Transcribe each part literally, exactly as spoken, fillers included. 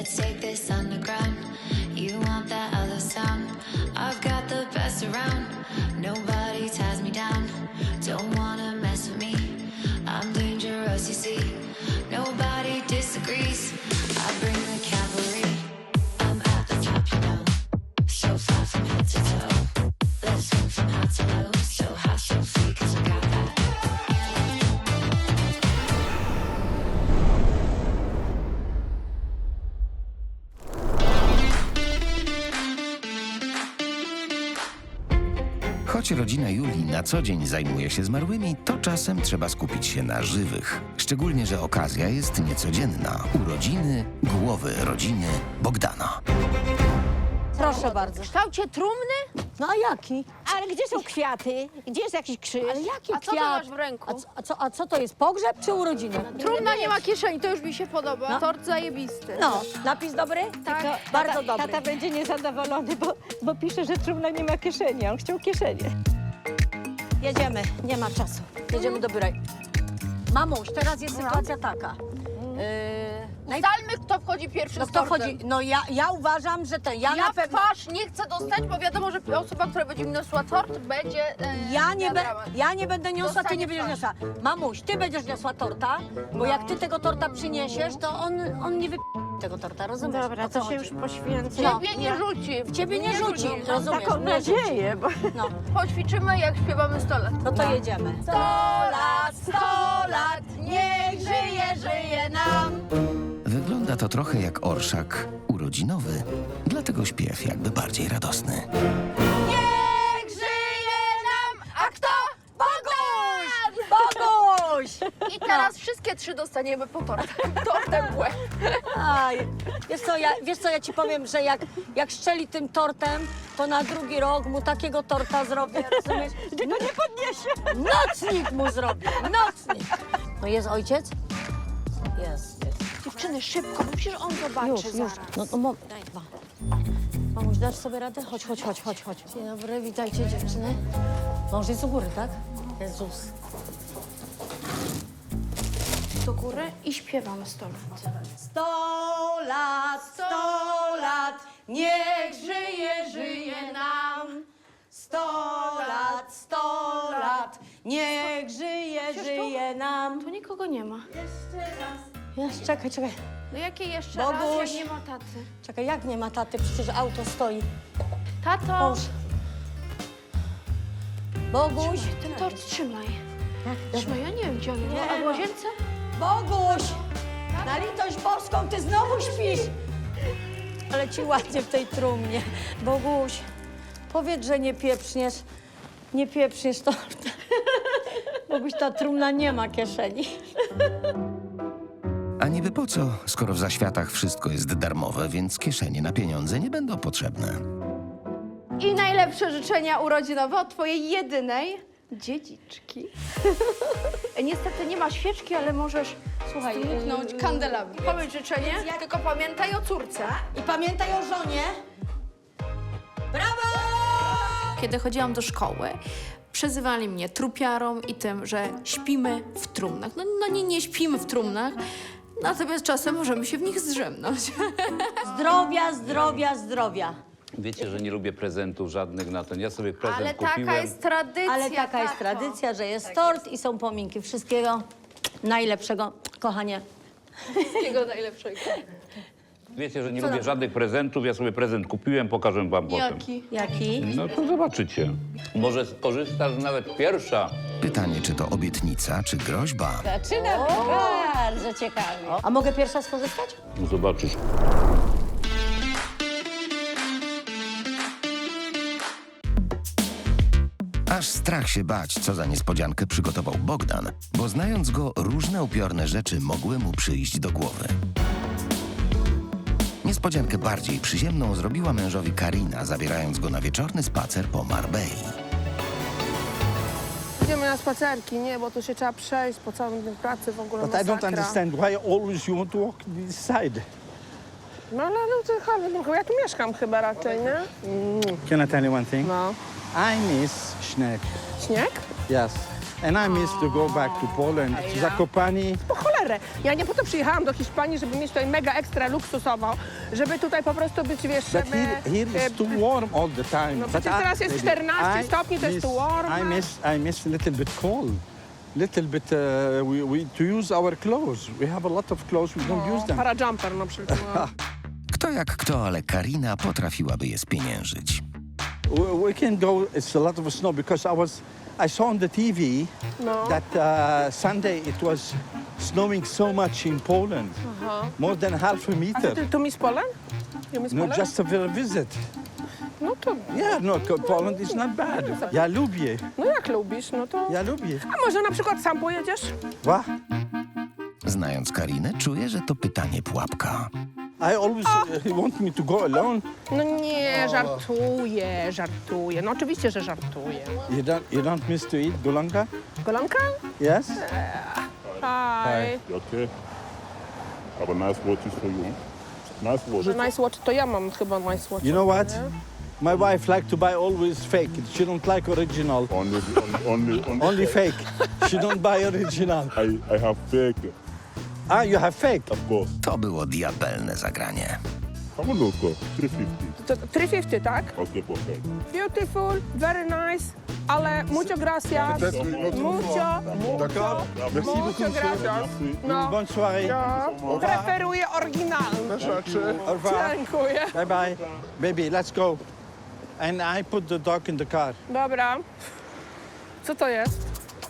Let's take this underground. You want that other sound? I've got the best around. Nobody ties me down. Don't wanna mess with me. I'm dangerous, you see. Nobody disagrees. I bring the cavalry. I'm at the top, you know. So far from head to toe. Let's swing from high to low. So high, so free, 'cause I got that. Choć rodzina Julii na co dzień zajmuje się zmarłymi, to czasem trzeba skupić się na żywych. Szczególnie, że okazja jest niecodzienna. Urodziny głowy rodziny Bogdana. Proszę bardzo. W kształcie trumny? No a jaki? Ale gdzie są kwiaty? Gdzie jest jakiś krzyż? Ale jaki A co ty kwiat? masz w ręku? A co, a, co, a co to jest, pogrzeb czy urodziny? Trumna nie ma kieszeni, to już mi się podoba. No. Tort zajebisty. No, napis dobry? Tak. To bardzo dobry. Tata będzie niezadowolony, bo, bo pisze, że trumna nie ma kieszeni, a on chciał kieszenie. Jedziemy, nie ma czasu. Jedziemy do biura. Mamuś, teraz jest sytuacja taka. Yy, naj... Ustalmy, kto wchodzi pierwszy No z kto tortem. chodzi? No ja, ja uważam, że ten, ja, Ja na pewno... twarz nie chcę dostać, bo wiadomo, że osoba, która będzie mi niosła tort, będzie e, Ja nie, miała be, dramat. ja nie będę niosła, ty Dostanie nie będziesz twarz. niosła. Mamuś, ty będziesz niosła torta, bo jak ty tego torta przyniesiesz, to on, on nie wy... tego torta, rozumiesz? Dobra, O co to się chodzi? już poświęcę. No. Ciebie nie rzuci. W ciebie nie rzuci, rozumiesz? Taką Nie rzuci. nadzieję, bo... No, Poćwiczymy, jak śpiewamy sto lat. no to jedziemy. Sto lat, sto lat, niech żyje, żyje nam. Wygląda to trochę jak orszak urodzinowy, dlatego śpiew jakby bardziej radosny. Niech żyje nam, a kto? Boguś! Boguś! I teraz wszystkie trzy dostaniemy po tortem. Tortem w łeb. Aj, wiesz co, ja, wiesz co, ja ci powiem, że jak, jak szczeli tym tortem, to na drugi rok mu takiego torta zrobię, rozumiesz? Go nie podniesie. Nocnik mu zrobię, nocnik! No jest ojciec? Jest, jest. Dziewczyny, szybko, bo przecież on zobaczy Już, już. zaraz. No, no mo- daj dwa. Mamuś, dasz sobie radę? Chodź, chodź, chodź, chodź, chodź. Dzień dobry, witajcie dziewczyny. Mąż jest u góry, tak? Jezus. Do góry i śpiewamy sto lat. Sto lat, sto lat, niech żyje, żyje nam. Sto lat, sto lat, niech żyje, żyje nam. Tu nikogo nie ma. Jest, czekaj, czekaj. No jakie jeszcze Boguś. raz, jak nie ma taty? Czekaj, jak nie ma taty? Przecież auto stoi. Tato! Mąż. Boguś. Trzymaj, ten tort trzymaj. Trzymaj, ja nie wiem, gdzie on jest. Nie A w ma. łazience? Boguś! Na litość boską, ty znowu śpisz! Ale ci ładnie w tej trumnie. Boguś, powiedz, że nie pieprzniesz. Nie pieprzniesz torta. Boguś, ta trumna nie ma kieszeni. A niby po co, skoro w zaświatach wszystko jest darmowe, więc kieszenie na pieniądze nie będą potrzebne. I najlepsze życzenia urodzinowe od twojej jedynej dziedziczki. Niestety nie ma świeczki, ale możesz, słuchaj, Dmuchnąć kandelabry. powiedz życzenie, tylko pamiętaj o córce. I pamiętaj o żonie. Brawo! Kiedy chodziłam do szkoły, przezywali mnie trupiarą i tym, że śpimy w trumnach. No, no nie, nie śpimy w trumnach, natomiast czasem możemy się w nich zdrzemnąć. Zdrowia, zdrowia, zdrowia. Wiecie, że nie lubię prezentów żadnych na ten. Ja sobie prezent Ale kupiłem. taka jest tradycja, Ale taka jest tato. tradycja, że jest tort i są pominki. Wszystkiego najlepszego, kochanie. Wszystkiego najlepszego. Wiecie, że nie lubię żadnych prezentów. Ja sobie prezent kupiłem, pokażę wam potem. Jaki? Jaki? No to zobaczycie. Może skorzystasz nawet pierwsza. Pytanie, czy to obietnica, czy groźba? Zaczyna bardzo ciekawie. A mogę pierwsza skorzystać? No zobaczysz. Aż strach się bać, co za niespodziankę przygotował Bogdan, bo znając go, różne upiorne rzeczy mogły mu przyjść do głowy. Niespodziankę bardziej przyziemną zrobiła mężowi Karina, zabierając go na wieczorny spacer po Marbei. Idziemy na spacerki, nie, bo tu się trzeba przejść po całym dniu pracy w ogóle But I don't masakra. understand why always you want to walk this side. No ale no to chyba, ja tu mieszkam chyba raczej, nie? Can I tell you one thing? No. I miss Schneck. Śnieg? Yes. And I miss to go back to Poland, to Zakopane. Po cholerę parę. Ja nie po to przyjechałam do Hiszpanii, żeby mieć tutaj mega ekstra luksusową, żeby tutaj po prostu być, wiesz, But żeby... here, here e, is too warm all the time. No But przecież I- teraz jest baby, czternaście I stopni, to jest miss- tu warm. I miss, I miss a little bit cold. Little bit, uh, we, we, to use our clothes. We have a lot of clothes, we don't use them. Parajumper na przykład. Kto jak kto, ale Karina potrafiłaby je spieniężyć. We, we can go, it's a lot of snow because I was, I saw on the T V No. that uh, Sunday it was snowing so much in Poland. More than half a A meter. ty tu Miss Poland? You Miss No, Poland? just a vi- visit. No to, Yeah, no, co- Poland is not bad. Ja lubię, no jak lubisz, no to... ja lubię. A może na przykład sam pojedziesz? What? Znając Karinę, czuję, że to pytanie pułapka. I always uh, want me to go alone. No nie, żartuję, żartuję. No oczywiście, że żartuję. You don't, you don't miss to eat golonka? Golonka? Yes? Hi. You okay? Have a nice watches for you. Nice watch. Że nice watch, to ja mam chyba nice watch. You know what? My wife like to buy always fake. She don't like original. Only, only, only, Only fake. She don't buy original. I, I have fake, Ah, you have fake? of course. To było diabelne zagranie. Have a look, uh, three fifty. To trzy pięćdziesiąt, tak? Okay, perfect. Beautiful, very nice, ale mucho gracias. Mucho, mucho, mucho gracias. No, Bonne soirée. ja preferuję oryginalne rzeczy. Au revoir. Dziękuję. Bye bye. Baby, let's go. And I put the dog in the car. Dobra. Co to jest?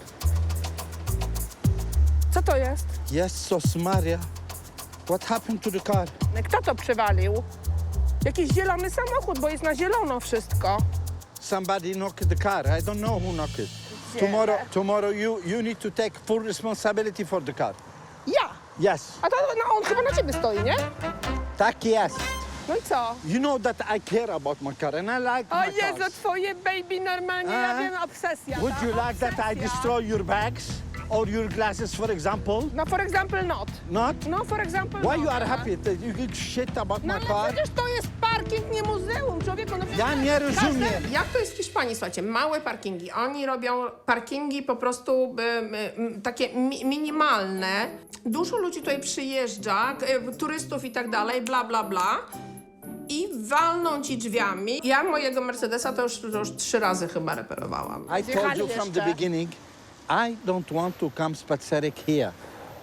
Co to jest? Yes, Maria. What happened to the car? Kto to przywalił? Jakiś zielony samochód, bo jest na zielono wszystko. Somebody knocked the car. I don't know who knocked it. Tomorrow, tomorrow you, you need to take full responsibility for the car. Ja! Yes. A to no, on chyba na ciebie stoi, nie? Tak jest. No i co? You know that I care about my car and I like O my Jezu, cars. twoje baby normalnie, ja A? wiem, obsesja. Would tak? you like that I Obsesja. destroy your bags or your glasses, for example? No for example not. Not? No for example Why not. you are aha. happy that you give shit about No my ale car? przecież to jest parking, nie muzeum, człowieku. No Ja nie każde- rozumiem. Jak to jest w Hiszpanii, słuchajcie, małe parkingi. Oni robią parkingi po prostu y, y, y, takie mi minimalne. Dużo ludzi tutaj przyjeżdża, y, turystów i tak dalej, bla, bla, bla. I walną ci drzwiami. Ja mojego Mercedesa to już, to już trzy razy chyba reperowałam. I told you from the beginning, I don't want to come spacerek here.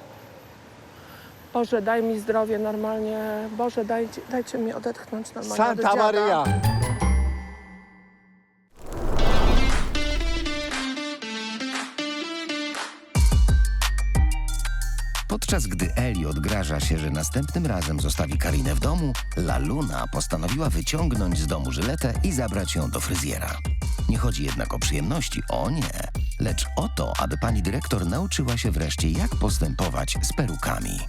Boże, daj mi zdrowie normalnie. Boże, dajcie, dajcie mi odetchnąć normalnie od Santa dziada. Maria. Podczas gdy Eli odgraża się, że następnym razem zostawi Karinę w domu, La Luna postanowiła wyciągnąć z domu Żyletę i zabrać ją do fryzjera. Nie chodzi jednak o przyjemności, o nie, lecz o to, aby pani dyrektor nauczyła się wreszcie, jak postępować z perukami.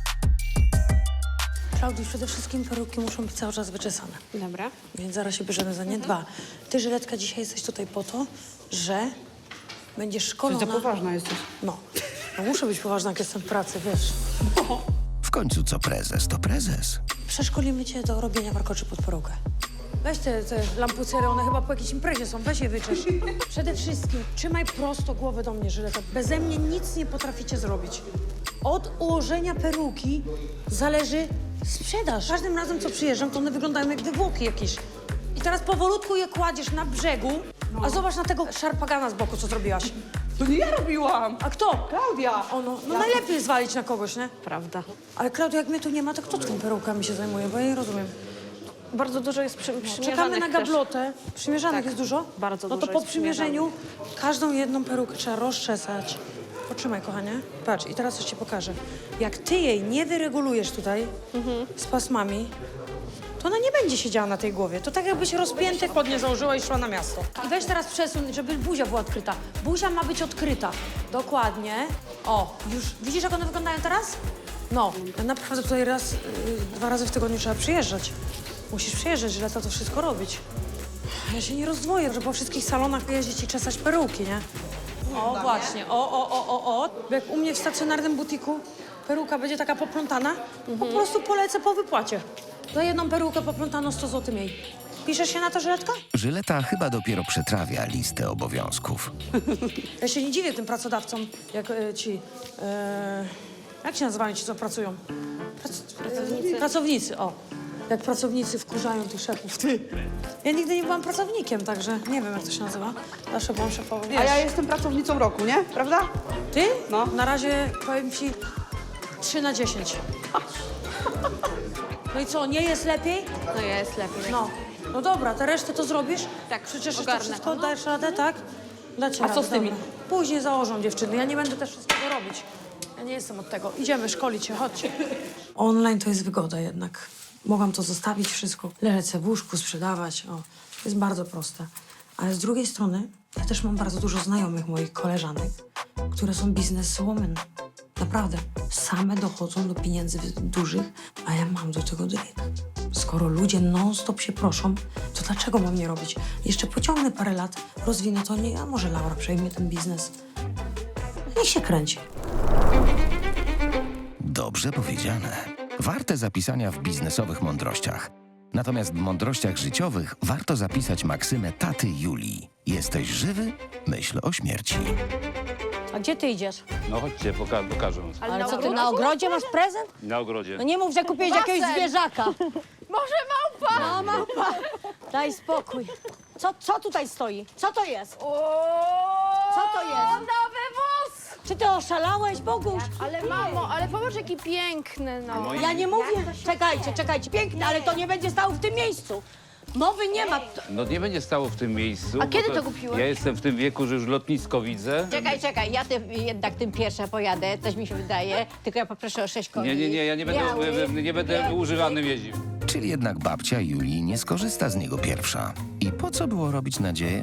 Klaudii, przede wszystkim peruki muszą być cały czas wyczesane. Dobra. Więc zaraz się bierzemy za nie. Dwa. Ty, Żyletka, dzisiaj jesteś tutaj po to, że będziesz szkolona... Ty za poważna jesteś. No. no. Muszę być poważna, jak jestem w pracy, wiesz. W końcu co prezes, to prezes. Przeszkolimy cię do robienia warkoczy pod perukę. Weź te, te lampucery, one chyba po jakiejś imprezie są, weź je wyczesz. Przede wszystkim trzymaj prosto głowę do mnie, Żyleta. Beze mnie nic nie potraficie zrobić. Od ułożenia peruki zależy sprzedaż. Każdym razem, co przyjeżdżam, to one wyglądają jak wywłoki jakieś. I teraz powolutku je kładziesz na brzegu, a zobacz na tego szarpagana z boku, co zrobiłaś. To nie ja robiłam. A kto? Klaudia. O, no, no najlepiej jest zwalić na kogoś, nie? Prawda. Ale Klaudia, jak mnie tu nie ma, to kto tą perukami się zajmuje? Bo ja nie rozumiem. Bardzo dużo jest przy, Czekamy na gablotę. Przymierzanek Tak, jest dużo? bardzo No dużo to po jest przymierzeniu każdą jedną perukę trzeba rozczesać. Potrzymaj, kochanie. Patrz, i teraz coś ci pokażę. Jak ty jej nie wyregulujesz tutaj z pasmami, to ona nie będzie siedziała na tej głowie. To tak jakbyś rozpięte spodnie założyła i szła na miasto. I weź teraz przesuń, żeby buzia była odkryta. Buzia ma być odkryta. Dokładnie. O, już widzisz, jak one wyglądają teraz? No, ja naprawdę tutaj raz, yy, dwa razy w tygodniu trzeba przyjeżdżać. Musisz przyjeżdżać, że lata to wszystko robić. Ja się nie rozdwoję, że po wszystkich salonach jeździć i czesać peruki, nie? O, właśnie. O, o, o, o, o. Jak u mnie w stacjonarnym butiku peruka będzie taka poplątana, po prostu polecę po wypłacie. Za jedną perukę poplątaną sto złotych mniej. Piszesz się na to, Żyletka? Żyleta chyba dopiero przetrawia listę obowiązków. Ja się nie dziwię tym pracodawcom, jak e, ci... E, Jak się nazywają ci, co pracują? Prac... Pracownicy. Pracownicy, o. Jak pracownicy wkurzają tych szefów, ty. Ja nigdy nie byłam pracownikiem, także nie wiem, jak to się nazywa. Zawsze byłam szefową. A ja jestem pracownicą roku, nie? Prawda? Ty? No. Na razie powiem ci trzy na dziesięć. No i co, nie jest lepiej? No jest lepiej. No. No dobra, tę resztę to zrobisz? Tak, Przecież jeszcze ogarnę wszystko to, no. dajesz radę, tak? Dacie A radę, co z tymi? dobra. Później założą dziewczyny, ja nie będę też wszystkiego robić. Ja nie jestem od tego. Idziemy szkolić się, chodźcie. Online to jest wygoda jednak. Mogłam to zostawić wszystko, leżeć sobie w łóżku, sprzedawać. O, to jest bardzo proste. Ale z drugiej strony, ja też mam bardzo dużo znajomych moich koleżanek, które są bizneswomen. Naprawdę. Same dochodzą do pieniędzy dużych, a ja mam do tego dryg. Skoro ludzie non-stop się proszą, to dlaczego mam nie robić? Jeszcze pociągnę parę lat, rozwinę to, nie, a może Laura przejmie ten biznes. Niech się kręci. Dobrze powiedziane. Warte zapisania w biznesowych mądrościach. Natomiast w mądrościach życiowych warto zapisać maksymę taty Julii. Jesteś żywy? Myśl o śmierci. A gdzie ty idziesz? No chodźcie, poka pokażę. Ale co, ty na ogrodzie masz prezent? Na ogrodzie. No nie mów, że kupiłeś jakiegoś zwierzaka. Może małpa? No, małpa. Daj spokój. Co, co tutaj stoi? Co to jest? Co to jest? Nowy wóz! Czy ty oszalałeś, Boguś? Ale mamo, ale popatrz jaki piękny, no. Ja nie mówię. Czekajcie, czekajcie. Piękne, ale to nie będzie stało w tym miejscu. Mowy nie ma. No nie będzie stało w tym miejscu. A bo kiedy to kupiłeś? Ja jestem w tym wieku, że już lotnisko widzę. Czekaj, czekaj, ja tym, jednak tym pierwsza pojadę, coś mi się wydaje, tylko ja poproszę o sześć koni. Nie, nie, nie, ja nie będę, Biały. nie będę używanym jeździł. Czyli jednak babcia Julii nie skorzysta z niego pierwsza. I po co było robić nadzieję?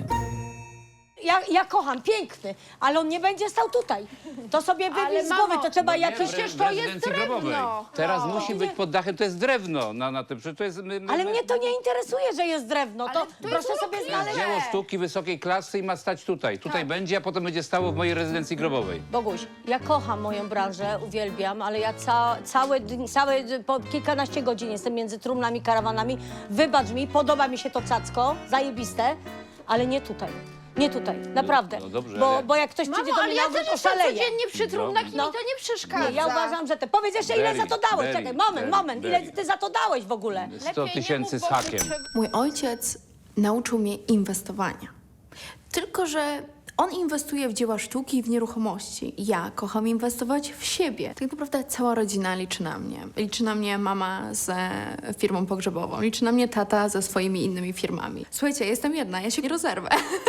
Ja, ja kocham, piękny, ale on nie będzie stał tutaj. To sobie Ale wybij z mamo, głowy, to trzeba No nie, jakoś... w re- przecież w to jest rezydencji drewno. grobowej. Teraz musi być pod dachem, to jest drewno. Na, na tym, przecież to jest, my, my, Ale my- mnie to nie interesuje, że jest drewno. To Ale to jest proszę sobie urokliwe. To jest znaleźć. dzieło sztuki wysokiej klasy i ma stać tutaj. Tutaj Tak. będzie, a potem będzie stało w mojej rezydencji grobowej. Boguś, ja kocham moją branżę, uwielbiam, ale ja ca całe, dni- całe d- po kilkanaście godzin jestem między trumnami, karawanami. Wybacz mi, podoba mi się to cacko, zajebiste, ale nie tutaj. Nie tutaj, naprawdę. no dobrze, bo, ale- bo jak ktoś przyjdzie Mamo, do ale mnie ja na też ogród, jestem oszaleje. codziennie przy trumnach i No. mi to nie przeszkadza. Nie, ja uważam, że te... Powiedz jeszcze, ile Berry, za to dałeś. berry, Czekaj, moment, berry, moment. Ile berry. ty za to dałeś w ogóle? sto tysięcy z Lepiej nie mów, hakiem. bo się- Mój ojciec nauczył mnie inwestowania. Tylko że on inwestuje w dzieła sztuki i w nieruchomości. Ja kocham inwestować w siebie. Tak naprawdę cała rodzina liczy na mnie. Liczy na mnie mama z firmą pogrzebową, liczy na mnie tata ze swoimi innymi firmami. Słuchajcie, jestem jedna, ja się nie rozerwę.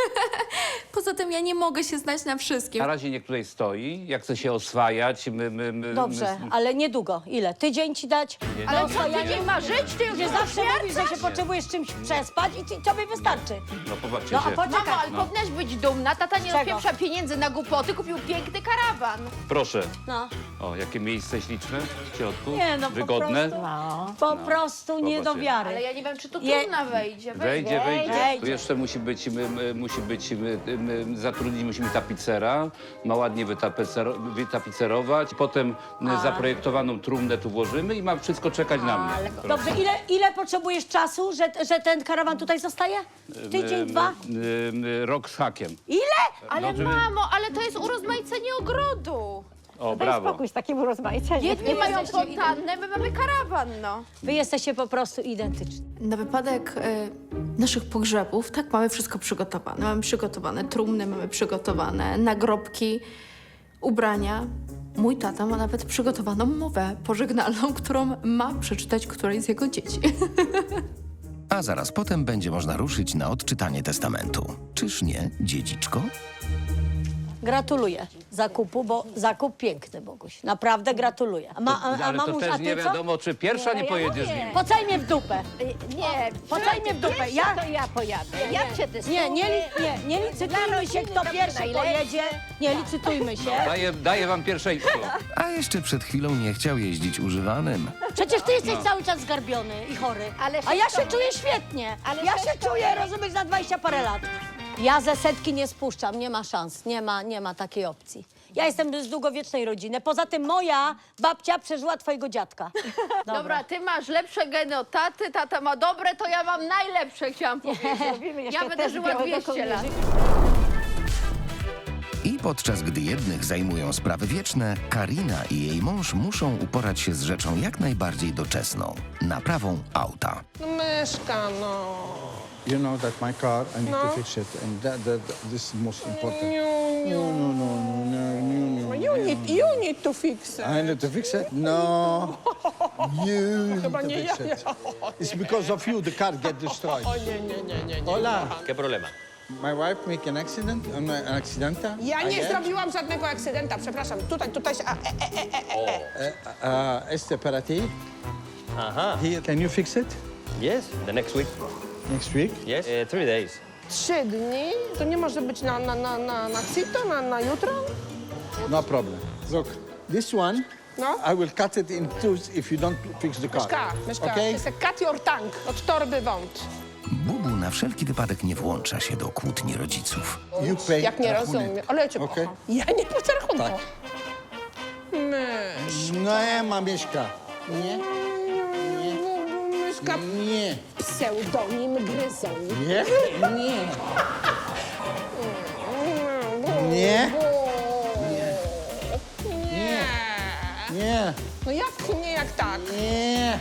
Poza tym ja nie mogę się znać na wszystkim. Na razie niech tutaj stoi, jak chce się oswajać. My, my, my, Dobrze, my... ale niedługo. Ile? Tydzień ci dać? Ale No, co, ja tydzień ma żyć? Ty już Nie masz zawsze mówisz, że się potrzebujesz czymś przespać i ci- tobie wystarczy. No popatrzcie No a się. poczekaj. Mamo, ale powinnaś być dumna. Tata nie Czego? odpieprza pieniędzy na głupoty, kupił piękny karawan. Proszę. No. O, jakie miejsce śliczne w środku. Nie, no po Wygodne. prostu, po prostu nie do Popatrzcie. wiary. Ale ja nie wiem, czy tu Je- trumna wejdzie. Wejdzie, wejdzie. Wejdzie. Tu jeszcze musi być, my, my, musi być, my, my, zatrudnić musimy tapicera, ma ładnie wytapecero, wytapicerować, potem A. zaprojektowaną trumnę tu włożymy i ma wszystko czekać na mnie. Ale, Proszę. dobrze, ile, ile potrzebujesz czasu, że, że ten karawan tutaj zostaje? Tydzień, My- dwa? my- my- Rok z hakiem. Ile? Ale No, żeby- mamo, ale to jest urozmaicenie ogrodu. O, Daj brawo. spokój z takim urozmaiceniem. Jedni mają fontannę, my mamy karawan, no. Wy jesteście po prostu identyczni. Na wypadek e, naszych pogrzebów, tak, mamy wszystko przygotowane. Mamy przygotowane trumny, mamy przygotowane nagrobki, ubrania. Mój tata ma nawet przygotowaną mowę pożegnalną, którą ma przeczytać którejś z jego dzieci. A zaraz potem będzie można ruszyć na odczytanie testamentu. Czyż nie, dziedziczko? Gratuluję zakupu, bo zakup piękny, Boguś. Naprawdę gratuluję. A, ma, a, a Ale to mamuś, a też ty nie co? wiadomo, czy pierwsza nie, ja pojedzie z mówię. nim. Pocaj mnie w dupę. Nie, Pocaj mnie w dupę. Ja, to ja pojadę. Ja cię testuję. nie, nie, li- nie, nie licytujmy się, kto pierwszy pojedzie. Nie licytujmy się. Daję, daję wam pierwszeństwo. A jeszcze przed chwilą nie chciał jeździć używanym. Przecież ty jesteś cały czas zgarbiony i chory. Ale A ja wszystko- się czuję świetnie. Ale Ja się wszystko- czuję, rozumiesz, na dwadzieścia parę lat. Ja ze setki nie spuszczam, nie ma szans, nie ma, nie ma takiej opcji. Ja jestem z długowiecznej rodziny. Poza tym moja babcia przeżyła twojego dziadka. Dobra, ty masz lepsze geny od taty, tata ma dobre, to ja mam najlepsze, chciałam powiedzieć. Robimy jeszcze Ja będę test żyła białego dwieście lat. I Podczas gdy jednych zajmują sprawy wieczne, Karina i jej mąż muszą uporać się z rzeczą jak najbardziej doczesną – naprawą auta. No myszka, no. You know that my car, I need No. to fix it, and that, that, that this is most important. You, No, no, no, no, no, no, no. you, need, you need to fix it. I need to fix it? No. You need Chyba to nie fix ja, it. It's because of you the car get destroyed. O nie, nie, nie, nie, nie. Hola. ¿Qué problema? My wife make an accident, an accidenta. Ja I nie had. zrobiłam żadnego akcydenta, przepraszam. Tutaj, tutaj się... A, e, e, e, e. Uh, este para ti. Aha. Here, can you fix it Yes, the next week. next week? Yes. Uh, three days. Trzy dni? To nie może być na, na, na, na, na cito, na, na jutro? No problem. Look, this one, No. I will cut it in two if you don't fix the car. Myszka, myszka, Okay? it's a cut your tank od torby wąt. Bubu na wszelki wypadek nie włącza się do kłótni rodziców. You pay Jak nie rachunek. rozumiem. Ale ja cię Okej. kocham. Ja nie płacę rachunku. Tak. Mysz. No nie ma Mieszka. Nie? Myszka, Nie. pseudonim gryzą. Nie? Nie. Nie? Nie. Nie. No jak nie, jak tak? Nie.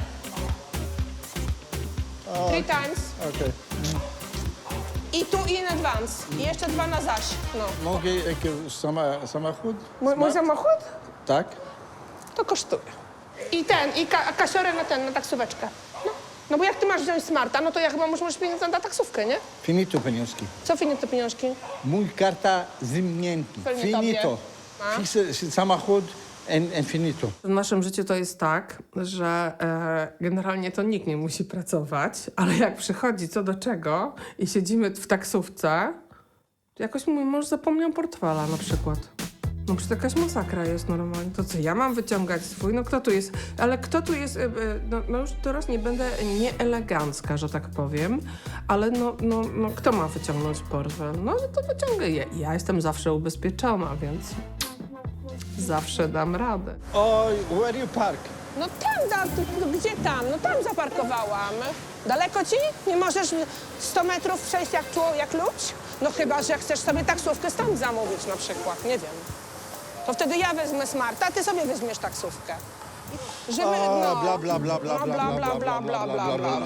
Three times. Okej. I tu in advance. I jeszcze dwa na zaś. No. Mogę jakiś sama, samochód? Mój, mój Smart? samochód? Tak? To kosztuje. I ten, i ka kasiorę na ten, na taksóweczkę. No. No bo jak ty masz wziąć smarta, no to ja chyba muszę mieć pieniądze na taksówkę, nie? Finito pieniążki. Co finit te pieniążki? Mój karta zimnięty. Pewnie Finito. tobie. A? Fixe samochód and, and finito. W naszym życiu to jest tak, że e, generalnie to nikt nie musi pracować, ale jak przychodzi co do czego i siedzimy w taksówce, to jakoś mój mąż zapomniał portfela na przykład. No przecież to jakaś masakra jest normalnie. To co, ja mam wyciągać swój? No kto tu jest? Ale kto tu jest? e, e, No, no już teraz nie będę nieelegancka, że tak powiem, ale no, no, no kto ma wyciągnąć portfel? No to wyciągę je. Ja jestem zawsze ubezpieczona, więc zawsze dam radę. Oj, where you park? No tam, da, no gdzie tam? No tam zaparkowałam. Daleko ci? Nie możesz sto metrów przejść jak, czło- jak ludź? No chyba, że chcesz sobie taksówkę stąd zamówić na przykład, nie wiem. To wtedy ja wezmę smarta, a ty sobie weźmiesz taksówkę. Żeby, O, no, bla, bla, bla, bla, no, bla, bla, bla, bla, bla, bla, bla.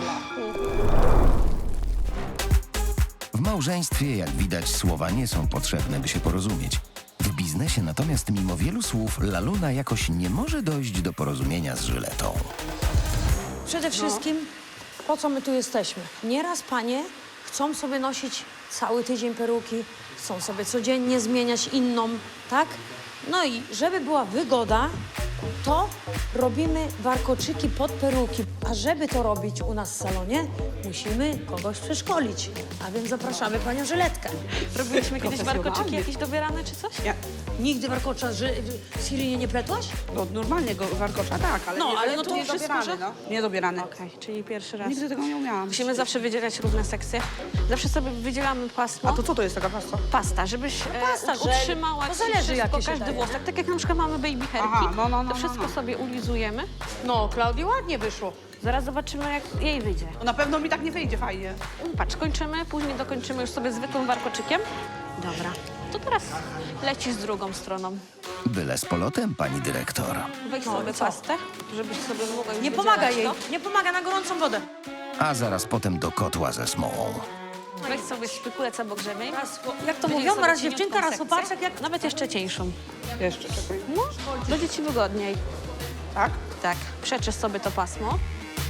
W małżeństwie, jak widać, słowa nie są potrzebne, by się porozumieć. W biznesie natomiast mimo wielu słów Laluna jakoś nie może dojść do porozumienia z Żyletą. Przede wszystkim, po co my tu jesteśmy? Nieraz panie chcą sobie nosić cały tydzień peruki, chcą sobie codziennie zmieniać inną, tak? No i żeby była wygoda, to robimy warkoczyki pod peruki. A żeby to robić u nas w salonie, musimy kogoś przeszkolić. A więc zapraszamy panią Żyletkę. Robiliśmy kiedyś warkoczyki jakieś dobierane czy coś? Ja, Nigdy warkocza z Sirinie nie pletłaś? no normalnie go warkocza, tak, ale No, nie, ale no to nie wszystko, dobierany, że- no. Nie dobierany. Okej, czyli pierwszy raz. Nigdy tego nie umiałam. Musimy zawsze wydzielać różne sekcje. Zawsze sobie wydzielamy pasmo. A to co to jest taka pasta? Pasta, żebyś e, pasta, żel. utrzymała To ci zależy, wszystko, jakie się każdy daje. włosek. Tak jak na przykład mamy baby hairki, Aha, no, no, no, to wszystko no, no. sobie ulizujemy. No, Klaudii ładnie wyszło. Zaraz zobaczymy, jak jej wyjdzie. No na pewno mi tak nie wyjdzie fajnie. Patrz, kończymy, później dokończymy już sobie zwykłym warkoczykiem. Dobra, to teraz lecisz z drugą stroną. Byle z polotem, pani dyrektor. Weź No, sobie i co? pastę, żebyś sobie mogła już Nie wydzielać pomaga jej, to. nie pomaga na gorącą wodę. A zaraz potem do kotła ze smołą. Weź sobie szpikulec obok grzebień. Raz, jak to Wydziel mówią, sobie raz cieniutką dziewczynka, raz sekcję. chłopaczek, jak... Nawet jeszcze cieńszą. Jeszcze, czekaj. No, będzie ci wygodniej. Tak? Tak, przeczysz sobie to pasmo.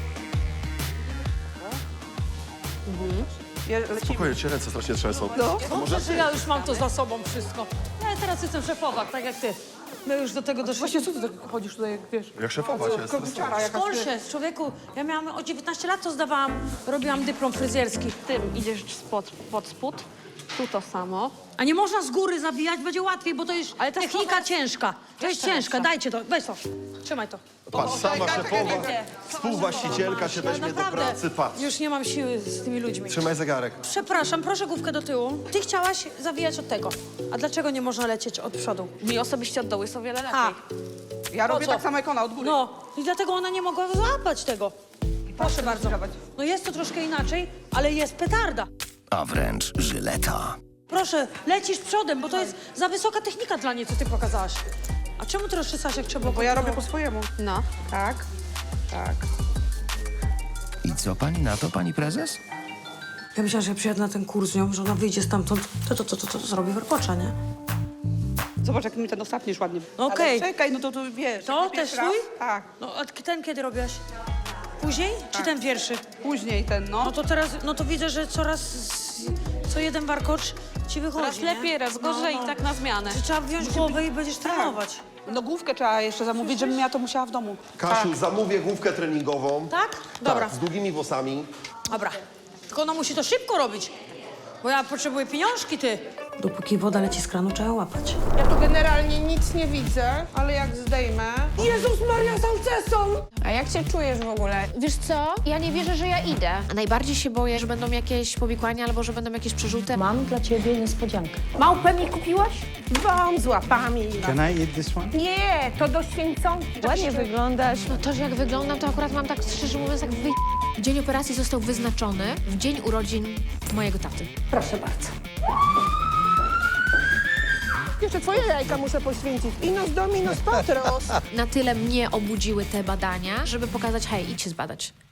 Je, lecimy. Spokojnie, cię ręce strasznie trzęsą. No. Dobrze, że ja już mam to za sobą wszystko. Ja teraz jestem szefowa, tak jak ty. My już do tego doszliśmy. Właśnie co ty tak chodzisz tutaj, jak wiesz? Jak szefować jest? Kobieciara jakaś. Skądże, człowieku, ja miałam o dziewiętnaście lat, to zdawałam, robiłam dyplom fryzjerski. Tym idziesz spod, pod spód. Tu to samo. A nie można z góry zabijać, będzie łatwiej, bo to jest Ale to jest technika trochę- ciężka. To jest Jeszcze ciężka, lepsza. dajcie to, weź to, trzymaj to. Patrz, sama szefowa, współwłaścicielka się weźmie do pracy, patrz. już nie mam siły z tymi ludźmi. Trzymaj zegarek. Przepraszam, proszę główkę do tyłu. Ty chciałaś zawijać od tego. A dlaczego nie można lecieć od przodu? Mi osobiście od dołu jest o wiele lepiej. A, Ja robię co? tak samo jak ona, od góry. no i dlatego ona nie mogła złapać tego. Proszę bardzo. złapać. No jest to troszkę inaczej, ale jest petarda. A wręcz Żyleta. Proszę, lecisz przodem, bo to jest za wysoka technika dla niej, co ty pokazałaś. A czemu ty rozczesałaś, jak trzeba było? Bo ja robię po kontrolować? swojemu. No. Tak, tak. I co pani na to, pani prezes? Ja myślałam, że ja przyjadę na ten kurs z nią, że ona wyjdzie stamtąd, to to, to, to, to zrobi warkocza, nie? Zobacz, jak mi ten ostatni już ładnie. No okej. Ale czekaj, no to, to wiesz. To jak też pierwszy raz- swój? Tak, No, a ten kiedy robiłaś? Później? Czy ten pierwszy? później ten, no. No to teraz, no to widzę, że coraz, z- co jeden warkocz ci wychodzi, Raz nie? lepiej, raz gorzej i tak na zmianę. Czy trzeba wziąć głowę i będziesz trenować. No główkę trzeba jeszcze zamówić, żebym ja to musiała w domu. Kasiu, zamówię główkę treningową. Tak? Dobra. Tak, z długimi włosami. Dobra. Tylko ona musi to szybko robić, bo ja potrzebuję pieniążki, ty. Dopóki woda leci z kranu, trzeba łapać. Ja tu generalnie nic nie widzę, ale jak zdejmę... Jezus Maria, z Alcesą! A jak się czujesz w ogóle? Wiesz co? Ja nie wierzę, że ja idę. Najbardziej się boję, że będą jakieś powikłania albo że będą jakieś przerzuty. Mam dla ciebie niespodziankę. Małpę mi kupiłaś? Wam z łapami. Can I eat this one? Nie, to do święconki. Ładnie wyglądasz. No to, że jak wyglądam, to akurat mam tak, szczerze mówiąc, jak wy... Dzień operacji został wyznaczony w dzień urodzin mojego taty. Proszę bardzo. Jeszcze twoje jajka muszę poświęcić. Inos dominos patros. Na tyle mnie obudziły te badania, żeby pokazać, hej, idź się zbadać.